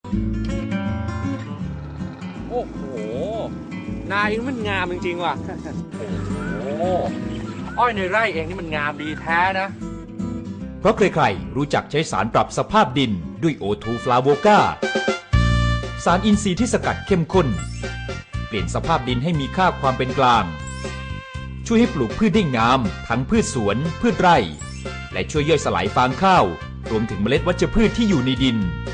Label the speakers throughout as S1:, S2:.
S1: โอ้โหนาเองมันงามจริงๆว่ะโอ้โหอ้อยในไร่เองนี่มันงามดีแท้นะ
S2: เพราะใครๆรู้จักใช้สารปรับสภาพดินด้วยโอทูฟลาโวกาสารอินทรีย์ที่สกัดเข้มข้นเปลี่ยนสภาพดินให้มีค่าความเป็นกลางช่วยให้ปลูกพืชได้งามทั้งพืชสวนพืชไร่และช่วยย่อยสลายฟางข้าวรวมถึงเมล็ดวัชพืชที่อยู่ในดิน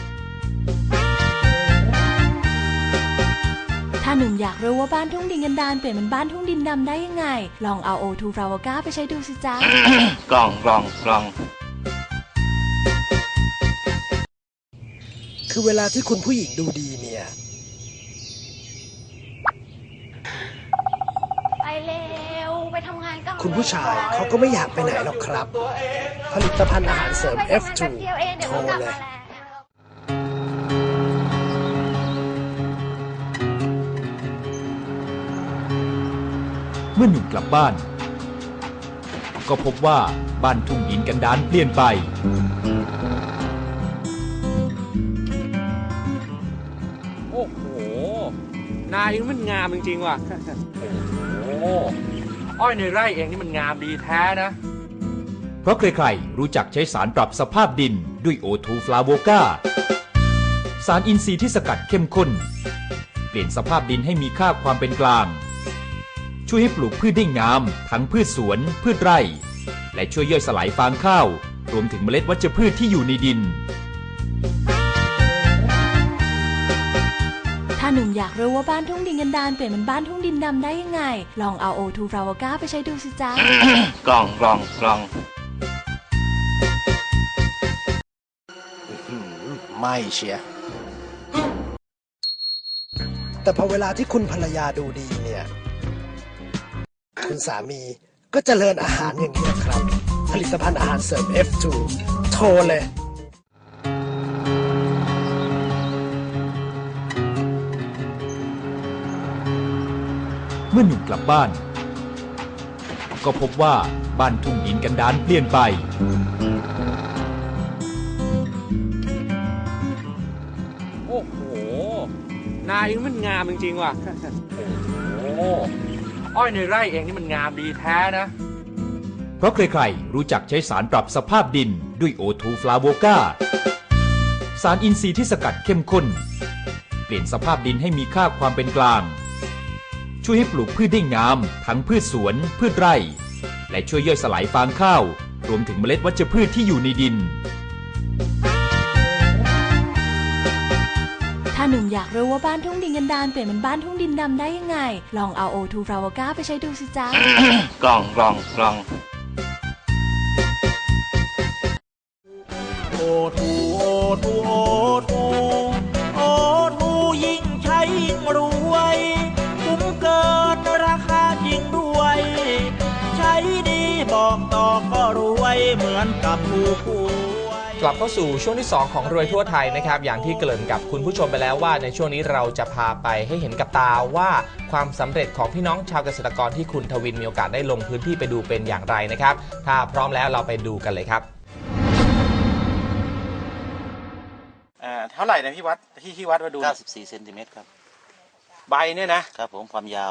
S3: ถ้าหนุ่มอยากรู้ว่าบ้านทุ่งดินกันดารเปลี่ยนเป็นบ้านทุ่งดินดำได้ยังไงลองเอาโอทูฟลาโวกาไปใช้ดูสิจ๊ะ
S1: กล่อง
S4: คือเวลาที่คุณผู้หญิงดูดีเนี่ย
S5: ไปเร็วไปทำงานกัน
S4: คุณผู้ชายเขาก็ไม่อยากไปไหนหรอกครับ ผลิตภัณฑ์อาหารเสริม F2 โทรเลย
S2: เมื่อหนุ่มกลับบ้านก็พบว่าบ้านทุ่งดินกันดารเปลี่ยนไป
S1: โอ้โหนาเองมันงามจริงๆว่ะโอ้โหอ้อยในไร่เองนี่มันงามดีแท้นะ
S2: เพราะใครๆรู้จักใช้สารปรับสภาพดินด้วยโอทูฟลาโวกาสารอินทรีย์ที่สกัดเข้มข้นเปลี่ยนสภาพดินให้มีค่าความเป็นกลางช่วยให้ปลูกพืชได้งามทั้งพืชสวนพืชไร่และช่วยย่อยสลายฟางข้าวรวมถึงเมล็ดวัชพืชที่อยู่ในดิน
S3: ถ้าหนุ่มอยากรู้ว่าบ้านทุ่งดินกันดารเปลี่ยนเป็นบ้านทุ่งดินดำได้ยังไงลองเอาโอทูฟลาโวกาไปใช้ดูสิจ๊ะ
S1: กล่อง
S4: ไม่เชียร์แต่พอเวลาที่คุณภรรยาดูดีเนี่ยคุณสามีก็เจริญอาหารอย่างนี้ครับผลิตภัณฑ์อาหารเสริม F2 โทรเลย
S2: เมื่อหนุ่มกลับบ้านก็พบว่าบ้านทุ่งดินกันดารเปลี่ยนไป
S1: โอ้โหนาเองมันงามจริงๆว่ะโอ้โหอ้อยในไร่เองนี่มันงามดีแท้นะ
S2: เพราะใครๆรู้จักใช้สารปรับสภาพดินด้วยโอทูฟลาโวกาสารอินทรีย์ที่สกัดเข้มข้นเปลี่ยนสภาพดินให้มีค่าความเป็นกลางช่วยให้ปลูกพืชได้งามทั้งพืชสวนพืชไร่และช่วยย่อยสลายฟางข้าวรวมถึงเมล็ดวัชพืชที่อยู่ในดิน
S3: ถ้าหนุ่มอยากรู้ว่าบ้านทุ่งดินกันดารเปลี่ยนเป็นบ้านทุ่งดินดำได้ยังไงลองเอาโอทูฟลาโวกาไปใช้ดูสิจ๊ะ
S1: กล่อง
S6: โอทูยิ่งใช้ยิ่งรวยคุ้มเกินราคาจริงด้วยใช้ดีบอกต่อก็รวยเหมือนกับผู้ป่วย
S7: กลับเข้าสู่ช่วงที่2ของรวยทั่วไทยนะครับอย่างที่เกริ่นกับคุณผู้ชมไปแล้วว่าในช่วงนี้เราจะพาไปให้เห็นกับตาว่าความสำเร็จของพี่น้องชาวเกษตรกรที่คุณทวินมีโอกาสได้ลงพื้นที่ไปดูเป็นอย่างไรนะครับถ้าพร้อมแล้วเราไปดูกันเลยครับ
S8: เท่าไหร่นะพี่วัดที่วัดมาดู
S9: 94 เซนติเมตรครับ
S8: ใบเนี่ยนะครับ
S9: ผมความยาว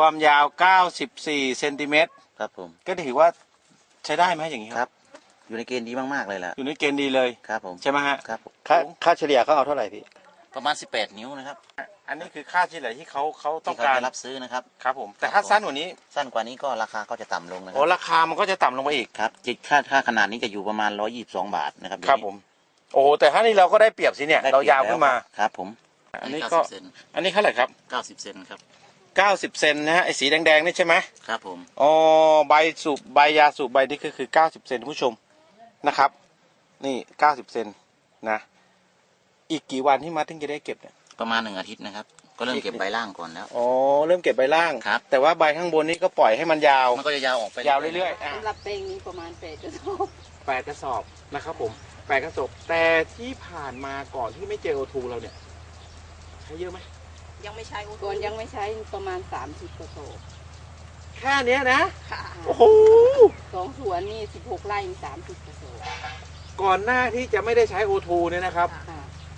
S8: 94 เซนติเมตร
S9: ครับผม
S8: ก็ถือว่าใช้ได้ไหมอย่างนี้
S9: ครับอยู่ในเกณฑ์ดีมากๆเลยแหละ
S8: อยู่ในเกณฑ์ดีเลย
S9: ครับผม
S8: ใช่ไหมฮะ
S9: ครับ
S8: ค่าเฉลี่ยเขาเอาเท่าไหร่พี่
S9: ประมาณ18 นิ้วนะครับ
S8: อันนี้คือค่าเฉลี่ยที่เขาต้องการ
S9: รับซื้อนะครับ
S8: ครับผมแต่ถ้าสั้นกว่านี้
S9: ก็ราคาก็จะต่ำลงนะครั
S8: โอ้ราคามันก็จะต่ำลงไปอีก
S9: ครับค่าขนาดนี้จะอยู่ประมาณ122 บาทนะครับ
S8: ครับผมโอ้แต่ถ้านี่เราก็ได้เปรียบสิเนี่ยเรายาวขึ้นมา
S9: ครับผม
S8: อันนี้เท่าไหร่ครับ
S9: 90 เซนครับ
S8: 90 เซนนะฮะไอ้สีแดงๆนี่ใช่ไหม
S9: ครับผม
S8: อ๋อใบยาสูบใบนี่คือ90 เซนผู้ชมนะครับนี่90 เซนนะอีกกี่วันที่มาถึงจะได้เก็บเนี่ย
S9: ประมาณ1 อาทิตย์นะครับก็เริ่มเก็บใบล่างก่อนแล้ว
S8: อ๋อเริ่มเก็บใบล่าง
S9: ครับ
S8: แต่ว่าใบข้างบนนี่ก็ปล่อยให้มันยาว
S9: มันก็จะยาวออกไป
S8: ยาวเรื่อย
S5: ๆสำหรับเพลงนี้ประมาณ8 กระสอบ
S1: 8 กระสอบนะครับผม8 กระสอบแต่ที่ผ่านมาก่อนที่ไม่เจอโอทูเราเนี่ยใช้เยอะไหม
S5: ยังไม่ใช้ก่อนยังไม่ใช้ประมาณ30 กระสอบ
S1: แค่นี้นะโอ้โห
S5: 2 สวนนี่16 ไร่30 กระสอบ
S1: ก่อนหน้าที่จะไม่ได้ใช้โอทูเนี่ยนะครับ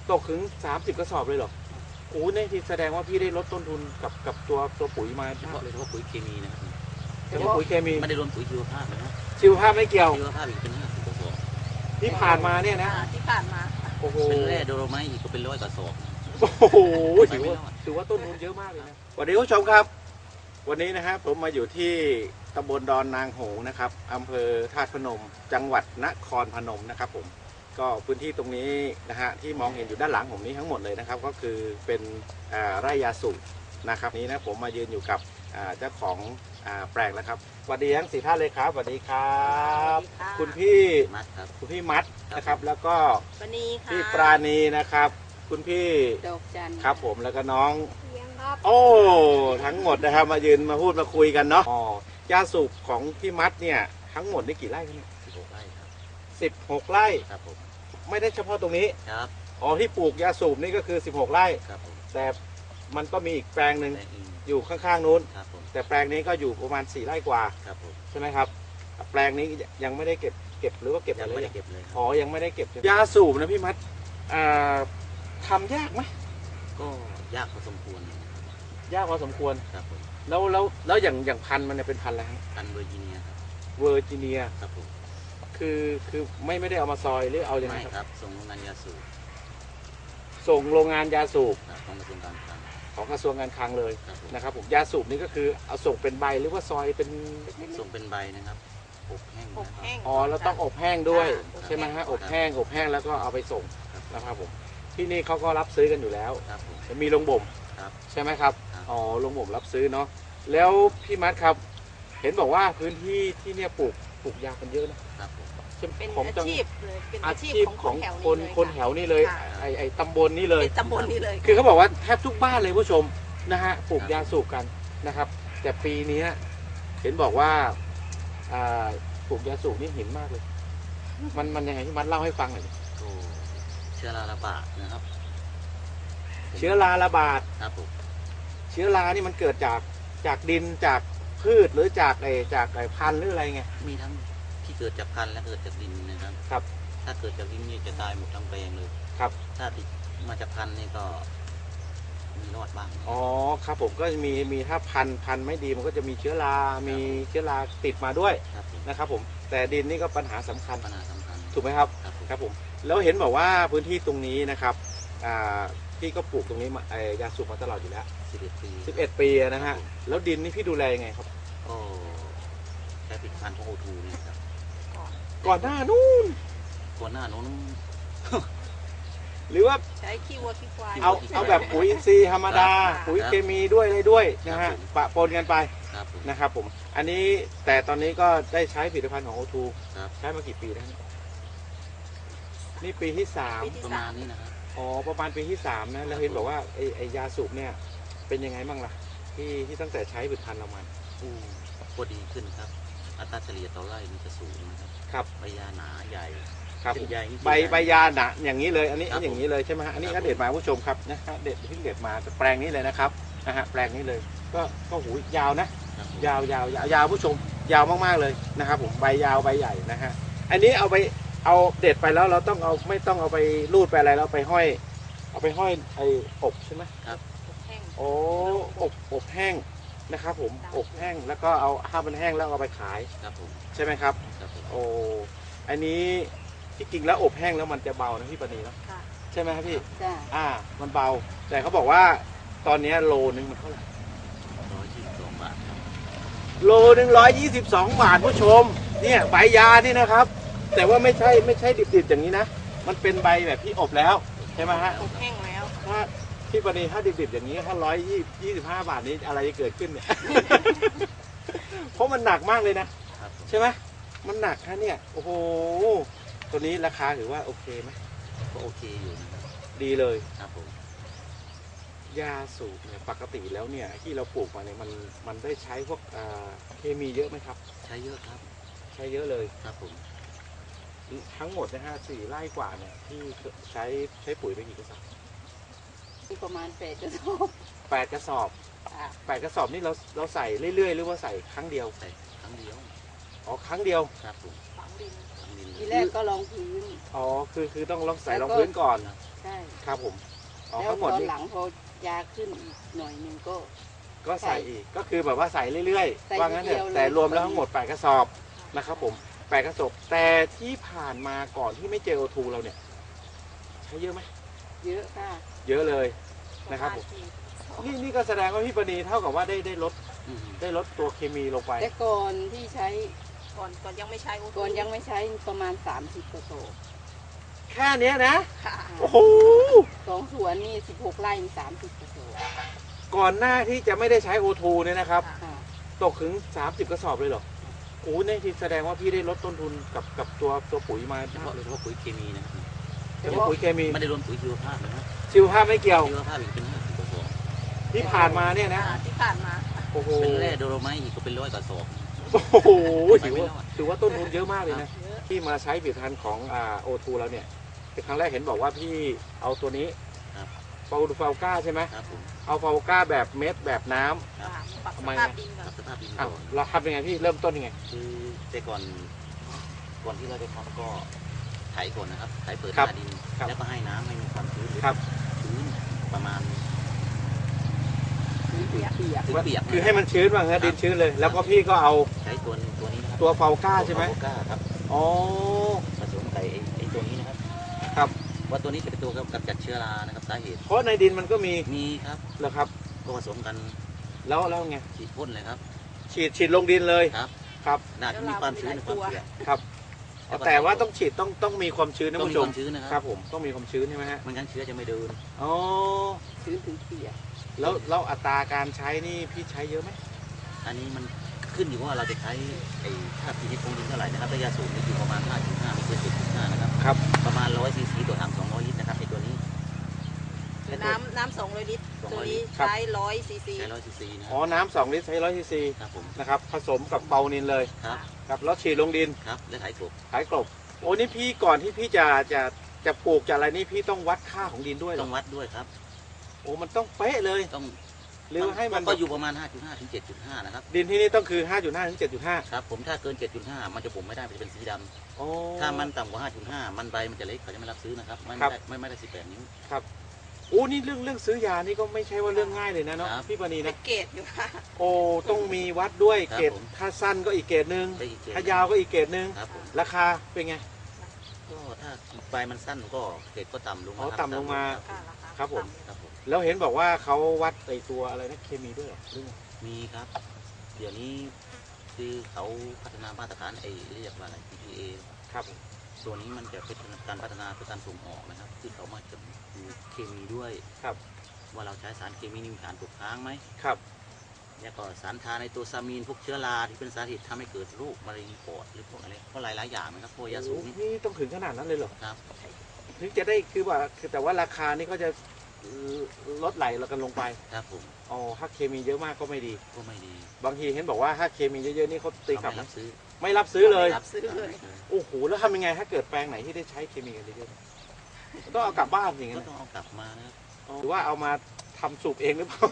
S8: ตกถึง30 กระสอบเลยเหรอโอ้นี่ที่แสดงว่าพี่ได้ลดต้นทุนกับตัวปุ๋ยมา
S9: เฉพาะปุ๋ยเคมีนะครับ
S8: เฉพาะปุ๋ยเคมี
S9: ไม่ได้รวมปุ๋ยชีวภาพนะครับ
S8: ชีวภาพไม่เกี่ยว
S9: ชีวภาพอีกเป็น50 กระสอบ
S8: ที่ผ่านมาเนี่ยนะ
S5: ที่ผ่านมา
S8: โอ้โห
S9: เป็นแร่โดโลไมต์อีกก็เป็น100 กระสอบ
S8: โอ้โหถือว่าต้นทุนเยอะมากเลยนะสวัสดีผู้ชมครับ วันนี้นะครับผมมาอยู่ที่ตำบลดอนนางโหงนะครับอำเภอธาตุพนม จังหวัดนครพนมนะครับผมก็พื้นที่ตรงนี้นะฮะที่มองเห็นอยู่ด้านหลังผมนี้ทั้งหมดเลยนะครับก็คือเป็นไร่ยาสูบนะครับนี้นะผมมายืนอยู่กับเจ้าของแปลงแล้วครับสวัสดีทั้ง4ท่านเลยครับสวัสดีครับคุณพี่
S9: มัดครับ
S8: คุณพี่มัดนะครับแล้วก็
S5: ปณีค่ะ
S8: พี่ปราณีนะครับคุณพี่
S5: ดอกจันทร์
S8: ครับผมแล้วก็น้อง
S5: เลี้ยงครับ
S8: โอ้ทั้งหมดนะครับมายืนมาพูดมาคุยกันเนาะอ๋อยาสูบของพี่มัดเนี่ยทั้งหมดนี่กี่ไร่ครับเนี่ย
S9: 16 ไร่ครับ
S8: 16 ไร่
S9: ครับผม
S8: ไม่ได้เฉพาะตรงนี้
S9: ครับ
S8: อ๋อที่ปลูกยาสูบนี่ก็คือ16 ไร่
S9: ครับผม
S8: แต่มันก็มีอีกแปลงหนึ่ง
S9: และอีก
S8: อยู่ข้างๆนู้น
S9: ครับผม
S8: แต่แปลงนี้ก็อยู่ประมาณ4 ไร่กว่า
S9: ครับผม
S8: ใช่ไหมครับแปลงนี้ยังไม่ได้เก็บหรือว่าเก็บ
S9: ยัง
S8: อะไร
S9: ไม่ได้เก็บเลยครับ
S8: อ๋อยังไม่ได้เก็บยาสูบนะพี่มัดทำยากไหม
S9: ก็ยากพอสมควรนะครับ
S8: ยากพอสมควร
S9: ครับผม
S8: แล้วอย่างพันธุ์มันเนี่ยเป็นพันธุ์อะไรฮะ
S9: พันธุ์เวอร์จิเนียครับ
S8: เวอร์จิเนีย
S9: ครับผม
S8: คือไม่ได้เอามาซอยหรือเอาอย่างไร
S9: ไม่
S8: ครับ
S9: ครับส่งโรงงานยาสูบ
S8: ส่งโรงงานยาสูบ
S9: ครับของกระทรวงการคลัง
S8: ของกระทรวงการคลังเลย
S9: ครับผม
S8: นะครับผมยาสูบนี่ก็คือเอาส่งเป็นใบหรือว่าซอยเป็น
S9: ส่งเป็นใบนะครับอบแห้ง
S5: อ
S9: นะ
S5: บ
S9: ครับ
S5: แห้ง
S8: อ๋อเราต้องอบแห้งด้วย
S5: ครับ
S8: ใช่ไหมฮะอบแห้งแล้วก็เอาไปส่ง
S9: ครับ
S8: นะครับผมที่นี่เขาก็รับซื้อกันอยู่แล้ว
S9: ครับผม
S8: จะมีโรงบ่ม
S9: ครับ
S8: ใช่ไหมครับ
S9: ครับ
S8: อ๋อโรงบ่มรับซื้อเนาะแล้วพี่มัดครับ เห็นบอกว่าพื้นที่ที่เนี่ยปลูกยางกันเยอะนะครับ
S9: ผม
S8: ใช่ไหม
S5: เป็น
S8: ของ
S5: อา
S8: จัง
S5: ชีพเลยเป็น
S8: อา
S5: อาชี
S8: ชี
S5: พ
S8: พ
S5: ของ
S8: ของ
S5: คนแถวนี้เลย
S8: คนแถวนี้เลย
S5: ค่ะ
S8: ไอตำบลนี้เลย
S5: เป็นตำบลนี้เลย
S8: คือเขาบอกว่าแทบทุกบ้านเลยผู้ชมนะฮะปลูกยาสูบกันนะครับ แต่ปีนี้เห็นบอกว่าปลูกยาสูบนี่หินมากเลย มันยังไงที่มัดเล่าให้ฟังหน่อยดิ
S9: ก็เชื้อราระบาดนะครับ
S8: เชื้อราระบาด
S9: ครับผม
S8: เชื้อรานี่มันเกิดจากดินจากพืชหรือจากพันธุ์หรืออะไรไง
S9: มีทั้งที่เกิดจากพันธุ์และเกิดจากดินนะครับ
S8: ครับ
S9: ถ้าเกิดจากดินนี่จะตายหมดทั้งแปลงเลย
S8: ครับ
S9: ถ้าติดมาจากพันธุ์นี่ก็มีรอดบ้าง
S8: อ๋อครับผมก็มีถ้าพันธุ์ไม่ดีมันก็จะมีเชื้อรา มีเชื้อราติดมาด้วย
S9: ครับผม
S8: นะครับผมแต่ดินนี่ก็ปัญหาสำคัญ
S9: ปัญหาสำคัญ
S8: ถูกไหมครับ
S9: ครับผม
S8: ครับผมแล้วเห็นบอกว่าพื้นที่ตรงนี้นะครับพี่ก็ปลูกตรงนี้มายาสูบมาตลอดอยู่แล้ว
S9: 11 ปี
S8: 11 ปีนะฮะแล้วดินนี่พี่ดูแลยังไงครับ
S9: ก็ใช้ผลิตภัณฑ์ของโอทูเนี่ยครับ
S8: ก่อนหน้านู้น
S9: ก่อนหน้าโน้น
S8: หรือว่า
S5: ใช้ขี้วัวขี้ควาย
S8: เอาแบบปุ๋ยอินทรีย์ธรรมดา ปุ๋ยเคมีด้วยอะไรด้วยนะฮะปะปนกันไป
S9: ครับผม
S8: นะครับผมอันนี้แต่ตอนนี้ก็ได้ใช้ผลิตภัณฑ์ของโอทู
S9: ครับ
S8: ใช้มากี่ปีแล้วนี่ปีที่สาม
S9: ประมาณนี้นะครับ
S8: อ๋อประมาณปีที่3นะแล้วเห็นบอกว่าไอยาสูบเนี่ยเป็นยังไงบ้างล่ะที่ตั้งแต่ใช้ผลิตภัณฑ์เรามา
S9: ก็ดีขึ้นครับ อัตราเฉลี่ยต่อไร่มันจะสูงนะครับ
S8: ครับ
S9: ใบยาหนาใหญ่
S8: ครับ
S9: เป็นใหญ่นี่
S8: ใบยาหนะอย่างนี้เลยอันนี้
S9: ครับ
S8: อย่างนี้เลยใช่ไหมฮะอันนี้
S9: ครั
S8: ก็
S9: บ
S8: เด็ดมาผู้ชมครับนะฮะเด็ดที่เด็ดมาแต่แปลงนี้เลยนะครับนะฮะแปลงนี้เลยก็หูยาวนะครับ
S9: ผม
S8: ยาวผู้ชมยาวมากๆเลยนะครับผมใบยาวใบใหญ่นะฮะอันนี้เอาเด็ดไปแล้วเราต้องเอาไม่ต้องเอาไปรูดไปอะไรเราไปห้อยเอาไปห้อยไอ้อบใช่ไหม
S9: ครับ
S5: แห้ง
S8: โอ้อบแห้งนะครับผมอบแห้งแล้วก็เอาถ้ามันแห้งแล้วเอาไปขาย
S9: ครับผม
S8: ใช่ไหมครับ
S9: ครับผม
S8: โอ้อันนี้ที่จริงแล้วอบแห้งแล้วมันจะเบานะพี่ปณีเนาะ
S5: ค่ะ
S8: ใช่ไหมครับพี่
S5: จ้า
S8: มันเบา แต่เขาบอกว่าตอนนี้โลนึงมันเท่าไหร่
S9: 122 บาทครับ
S8: โลนึง122 บาทผู้ชมเนี่ยใบยานี่นะครับ แต่ว่าไม่ใช่ดิบๆอย่างนี้นะมันเป็นใบแบบที่อบแล้วใช่ไหมฮะ
S5: อบแห้งแล้ว
S8: ถ้าพี่ปณีถ้าดิบๆอย่างนี้ถ้า125 บาทนี้อะไรจะเกิดขึ้นเนี่ย เพราะมันหนักมากเลยนะครับ
S9: ผม
S8: ใช่ไหมมันหนักฮะเนี่ยโอ้โหตัวนี้ราคาถือว่าโอเคไหม
S9: ก็โอเคอยู่นะครับ
S8: ดีเลย
S9: ครับผม
S8: ยาสูบเนี่ยปกติแล้วเนี่ยที่เราปลูกมาเนี่ยมันได้ใช้พวกเคมีเยอะไหมครับ
S9: ใช้เยอะครับ
S8: ใช้เยอะเลย
S9: ครับผม
S8: ทั้งหมดนะฮะ4 ไร่กว่าเนี่ยที่ใช้ปุ๋ยไปกี่กระสอบ
S5: ประมาณ8 กระสอบ
S8: 8 กระสอบ
S5: ค่ะ
S8: 8 กระสอบนี่เราใส่เรื่อยๆหรือว่าใส่ครั้งเดียว
S9: ใส่ครั้งเดียว
S8: อ๋อครั้งเดียว
S9: ครับผม
S5: ฝังดิน
S9: ครั้งดิน
S5: ทีแรกก็ลองพื้น
S8: อ๋อคือต้องลองใส่รองพื้นก่อน
S5: ใช่
S8: ครับผมอ๋อ
S5: แล้ว
S8: ทั้งหมด
S5: ตอน
S8: นี่
S5: หลังพอยาขึ้นอีกหน่อยหนึงก็
S8: ก็ใส่อีกก็คือแบบว่าใส่เรื่อย
S5: ใส่
S8: ๆว่างั้นเถ
S5: ทีเดียว
S8: อะ
S5: เลย
S8: แต่รวมแล้วทั้งหมด8กระสอบนะครับผม8กระสอบแต่ที่ผ่านมาก่อนที่ไม่เจอโอทูเราเนี่ยใช้เยอะไหม
S5: เยอะค่ะ
S8: เยอะเลยนะครับผมนี่ก็แสดงว่าพี่ปณีเท่ากับว่าได้ลดตัวเคมีลงไป
S5: แต่ก่อนที่ใช้
S10: ก่อนยังไม่ใช้
S5: ก่อนยังไม่ใช้ประมาณ30กระสอบ
S8: แค่เนี้ยนะ
S10: ค่ะ
S8: โอ้โห
S5: 2 สวนนี่16 ไร่มี30กระสอบ
S8: ก่อนหน้าที่จะไม่ได้ใช้โอทูเนี่ยนะครับ
S5: ค่ะ
S8: ตกถึง30กระสอบเลยเหรอโอ้นี่ที่แสดงว่าพี่ได้ลดต้นทุนกับตัวปุ๋ยมา
S9: เฉ
S8: มาก
S9: พาะ
S8: เลย
S9: เฉพาะปุ๋ยเคมีนะครับ
S8: เฉพาะปุ๋ยเคมี
S9: ไม่ได้รวมปุ๋ยชีวภาพนะครับ
S8: ชีวภาพไม่เกี่ยว
S9: ชีวภาพอีกเป็น50กระสอบ
S8: ที่ผ่านมาเนี่ยนะ
S10: ที่ผ่านมา
S8: โอ้โห
S9: เป็นแร่โดโลไมต์อีกก็เป็น100กระสอบ
S8: โอ้โห
S9: ไปไม่รอด
S8: ถือว่าต้นทุนเยอะมากเลยนะที่มาใช้ผลิตภัณฑ์ของโอทูแล้วเนี่ยเป็นครั้งแรกเห็นบอกว่าพี่เอาตัวนี้
S9: ครับ
S8: ฟาวก้าใช่ไหม
S9: ครับผม
S8: เอาฟาวก้าแบบเม็ดแบบน้ำ
S9: ครับ
S10: ปรับ
S8: ทำ
S10: ส
S8: ไม
S10: ภาพ
S8: นะ
S10: ดินก่อน
S9: ปรับสภาพดิน
S8: อ้าว
S9: ก่อน
S8: เราทำยังไงพี่เริ่มต้นยังไง
S9: คือแต่ก่อนที่เราจะทำก็ไถก่อนนะครับไถเปิดห
S8: ครับ
S9: น้าดิน
S8: ครับ
S9: แล้วก็ให้น้ำให้มีความชื้นหรือ
S8: ครับ
S9: ชื้นประมาณ
S5: เปียก
S9: ถึงเปียก
S8: คือให้มันชื้นว่างั้นดินชื้นเลย แล้วก็พี่ก็เอา
S9: ใช้ตัวนี้นะครับ
S8: ตัวฟาวก้าใช่ไหม
S9: ตัวก้าครับ
S8: อ๋อ
S9: ผสมใส่ไอ้ตัวนี้นะครับ
S8: ครับ
S9: ว่าตัวนี้จะเป็นตัวกำจัดเชื้อรานะครับสาเหตุ
S8: เพราะในดินมันก็มี
S9: มีครับ
S8: เหรอครับ
S9: ก็ผสมกัน
S8: แล้วไง
S9: ฉีดพ่นเลยครับ
S8: ฉีดลงดินเลย
S9: ครับ
S8: ครับ
S9: น่าจะมีความชื้นในความเปียก
S8: ครับ แต่ว่าต้องฉีดต้องมีความชื้นนะ
S9: ต้อง
S8: คุณ
S9: มี
S8: ผู้ช
S9: ความ มชื้นนะค
S8: ค
S9: รั
S8: รั
S9: บบ
S8: ผมต้องมีความชื้นใช่ไหมฮะ
S9: ไม่งั้นเชื้อจะไม่เดิน
S8: อ๋อ
S5: ชื้นถึงเปียก
S8: แล้วอัตราการใช้นี่พี่ใช้เยอะไหม
S9: อันนี้มันขึ้นอยู่ว่าเราจะใช้ไอ้ค่า pH ของดินเท่าไหร่นะครับระยะสูงนี่อยู่ประมาณ 5.5 ไม่เกิน 7.5 นะครับ
S8: ครับ
S9: ประมาณ 100 ซีซีต่อถัง200 ลิตรนะครับไอ้ตัวนี้
S10: น้ำ200 ลิตร ตัวนี้
S8: ครับ
S10: ใช้100 ซีซี
S9: ใช้100 ซีซีนะค
S8: อ๋อ
S9: รับ
S8: น้ำ2 ลิตรใช้100 ซีซี
S9: ครับผม
S8: นะครับผสมกับเปานินเลย
S9: ครับ
S8: ครับแล้วฉีดลงดิน
S9: ครับและไถกบ
S8: ขายกลบโอ้นี่พี่ก่อนที่พี่จะปลูกจะอะไรนี่พี่ต้องวัดค่าของดินด้วยเหร
S9: ต้
S8: อ
S9: องวัดด้วยครับ
S8: โอ้มันต้องเป๊ะเลย
S9: ต้อง
S8: หรือให้มัน
S9: ก็อยู่ประมาณ 5.5 ถึง 7.5 นะครับ
S8: ดินที่นี่ต้องคือ 5.5 ถึง 7.5
S9: ครับผมถ้าเกิน 7.5 มันจะบ่มไม่ได้มันจะเป็นสีดำ
S8: โอ้
S9: ถ้ามันต่ำกว่า 5.5 มันใบมันจะเล็กเขาจะไม่รับซื้อนะครับไม่
S8: ครับ
S9: ได้ไม่ได้18 นิ้ว
S8: ครับโอ้นี่เรื่องซื้อยานี่ก็ไม่ใช่ว่าเรื่องง่ายเลยนะเนาะ
S9: ครับ
S8: พี่ปณี
S10: เป็
S8: นะ
S10: นเกรดอยู่ค่ะ
S8: โอ้ต้องมีวัดด้วย
S9: ครับ
S8: เกรด
S9: ผม
S8: ถ้าสั้นก็อีกเกรดหนึ่ง
S9: ได้อีกเกรด
S8: ถ้ายาวก็อีกเกรดหนึ่ง
S9: ครับผม
S8: ราคาเป็นไง
S9: ก็ถ้าใบมันสั้นก็เกรดก็ต่ำลง
S8: อ๋อ
S9: ครับ
S8: ต่ำลงมา
S10: ค่ะราคา
S8: ครับผม
S9: ครับผม
S8: แล้วเห็นบอกว่าเขาวัดไอตัวอะไรนะเคมีด้วยเหรอหรือไง
S9: มีครับ เดี๋ยวนี้คือเขาพัฒนามาตรฐานไอ้เรียกว่าอะไร PPA
S8: ครับ
S9: ตัวนี้มันจะเป็นการพัฒนาเพื่อการส่งออกนะครับที่เขามาจะดูเคมีด้วย
S8: ครับ
S9: ว่าเราใช้สารเคมีนี่มีสารตกค้างไหม
S8: ครับ
S9: แล้วก็สารทาในตัวซามีนพวกเชื้อราที่เป็นสาเหตุทำให้เกิดโรคมะเร็งปอดหรือพวกอะไรเพราะหลายๆอย่างนะครับพวกยาสูบนี่
S8: นี่ต้องถึงขนาดนั้นเลยเหรอ
S9: ครับ
S8: ถึงจะได้คือว่าคือแต่ว่าราคานี่ก็จะลดไหลเรากันลงไป
S9: ครับผม
S8: อ๋อถ้าเคมีเยอะมากก็ไม่ดี
S9: ก็ไม่ดี
S8: บางทีเห็นบอกว่าถ้าเคมีเยอะๆนี่เขาตีกลับ
S9: เขาไม่
S8: นะ
S9: รับซื้อ
S8: ไม่รับซื้อเลย
S10: รับซื้อเลย
S8: โอ้โหแล้วทำยังไงถ้าเกิดแปลงไหนที่ได้ใช้เคมีกันเยอะๆต้องเอากลับบ้านอย่าง
S9: ก็
S8: นั้น
S9: ต้องเอากลับมานะครับ
S8: หรือว่าเอามาทำสูบเองหรือเปล่า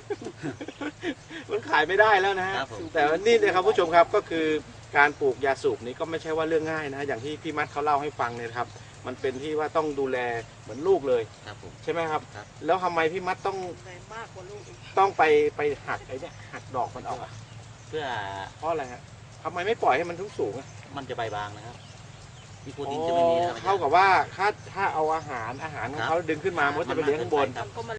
S8: มันขายไม่ได้แล้วนะฮะ
S9: ครับผม
S8: แต่ว่านี่นะครับผู้ชมครับก็คือการปลูกยาสูบนี้ก็ไม่ใช่ว่าเรื่องง่ายนะอย่างที่พี่มัดเขาเล่าให้ฟังเนี่ยนะครับ มันเป็นที่ว่าต้องดูแลเหมือนลูกเลย
S9: ครับผม
S8: ใช่ไหมครับ
S9: ครับ
S8: แล้วทำไมพี่มัดต้อง
S10: เลยมากกว่าลูกอีก
S8: ไปหักไอ้เนี่ยหักดอกมันออกอะ
S9: เพื่อ
S8: เพราะอะไรฮะทำไมไม่ปล่อยให้มันสูงๆอะ
S9: มันจะใบบางนะครับมีโปร
S8: อ๋
S9: ตีนจะไม่มีนะครับ
S8: อเท่ากับว่าถ้าเอาอาหารของเขาดึงขึ้นมามันก็จะไปเลี้ยงข้างบน
S9: ครับ
S10: ก็มา